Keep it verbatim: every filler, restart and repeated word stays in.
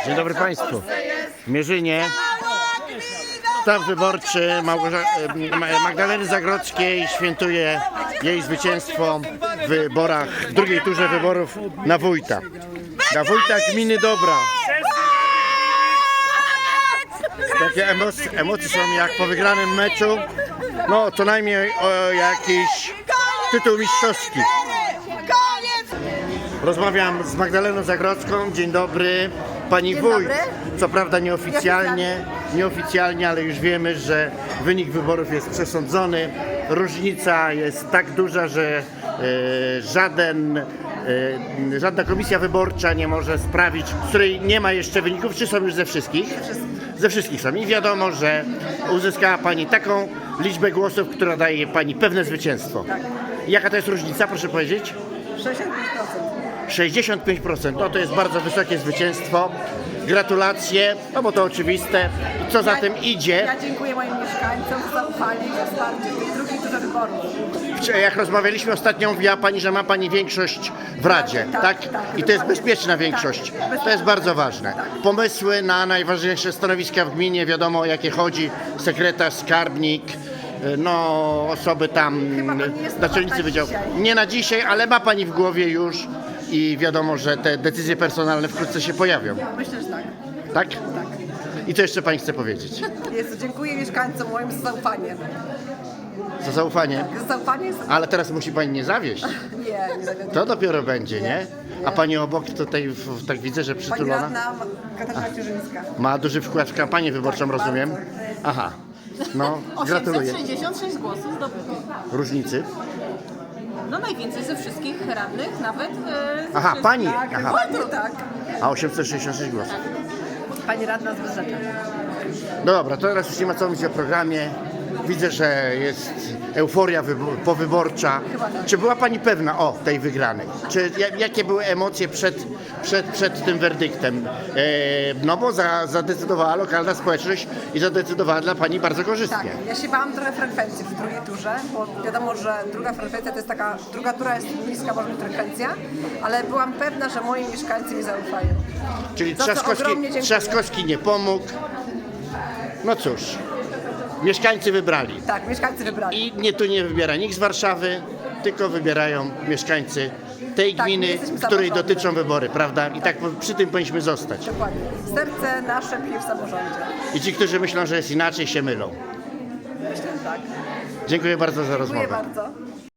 Dzień dobry Państwu. W Mierzynie sztab wyborczy Małgorza- Ma- Magdaleny Zagrodzkiej świętuje jej zwycięstwo w wyborach, w drugiej turze wyborów na wójta. Na wójta gminy Dobra. Takie emocje, emocje są jak po wygranym meczu. No co najmniej o jakiś tytuł mistrzowski. Rozmawiam z Magdaleną Zagrodzką. Dzień dobry. Pani Dzień wójt, dobry. co prawda nieoficjalnie, nieoficjalnie, ale już wiemy, że wynik wyborów jest przesądzony. Różnica jest tak duża, że e, żaden, e, żadna komisja wyborcza nie może sprawić, z której nie ma jeszcze wyników, czy są już ze wszystkich? Ze wszystkich są. I wiadomo, że uzyskała Pani taką liczbę głosów, która daje Pani pewne zwycięstwo. Tak. Jaka to jest różnica, proszę powiedzieć? sześćdziesiąt pięć procent. sześćdziesiąt pięć procent, no to jest bardzo wysokie zwycięstwo. Gratulacje, no bo to oczywiste. I co za tym idzie? Ja dziękuję moim mieszkańcom za zaufanie i za wsparcie w tej drugiej turze wyborów. Jak rozmawialiśmy ostatnio, mówiła Pani, że ma Pani większość w Radzie, tak? Tak, tak, I to jest dokładnie. bezpieczna większość. Tak, To jest bardzo ważne. Pomysły na najważniejsze stanowiska w gminie, wiadomo o jakie chodzi. Sekretarz, skarbnik, no osoby tam, Chyba to nie jest naczelnicy na wydziału. dzisiaj. Nie na dzisiaj, ale ma Pani w głowie już i wiadomo, że te decyzje personalne wkrótce się pojawią. Myślę, że tak. Tak? Tak. I co jeszcze Pani chce powiedzieć? Jezu, dziękuję mieszkańcom moim za zaufanie. Za zaufanie. Za zaufanie jest... Ale teraz musi Pani nie zawieść. Nie, nie zawiodłem. To dopiero będzie, nie? A Pani obok tutaj, w- tak widzę, że Pani przytulona. radna Katarzyna Ciurzyńska. Ma duży wkład w kampanię wyborczą, Tak, rozumiem? bardzo. Aha. No, gratuluję. osiemset sześćdziesiąt sześć głosów zdobytych. Różnicy. No najwięcej ze wszystkich radnych, nawet e, ze Aha, wszystkich. Pani. Tak, Aha. dokładnie tak. A osiemset sześćdziesiąt sześć głosów. Pani radna z Wyrzecza. No dobra, to teraz już nie ma co mówić o programie. Widzę, że jest euforia wybo- powyborcza. Czy była Pani pewna o tej wygranej? Czy ja- jakie były emocje przed, przed, przed tym werdyktem? E, no bo za, zadecydowała lokalna społeczność i zadecydowała dla Pani bardzo Tak, korzystnie. ja się bałam trochę frekwencji w drugiej turze, bo wiadomo, że druga frekwencja to jest taka, druga tura jest niska może być frekwencja, ale byłam pewna, że moi mieszkańcy mi zaufają. Czyli Za co Trzaskowski, ogromnie dziękuję. Trzaskowski nie pomógł. No cóż, mieszkańcy wybrali. Tak, mieszkańcy wybrali. I nie tu nie wybiera nikt z Warszawy, tylko wybierają mieszkańcy tej Tak, my gminy, jesteśmy której samorządem. dotyczą wybory, prawda? I tak przy tym powinniśmy zostać. Dokładnie. Serce nasze bije w samorządzie. I ci, którzy myślą, że jest inaczej, się mylą. Myślę, że tak. Dziękuję bardzo za Dziękuję rozmowę. bardzo.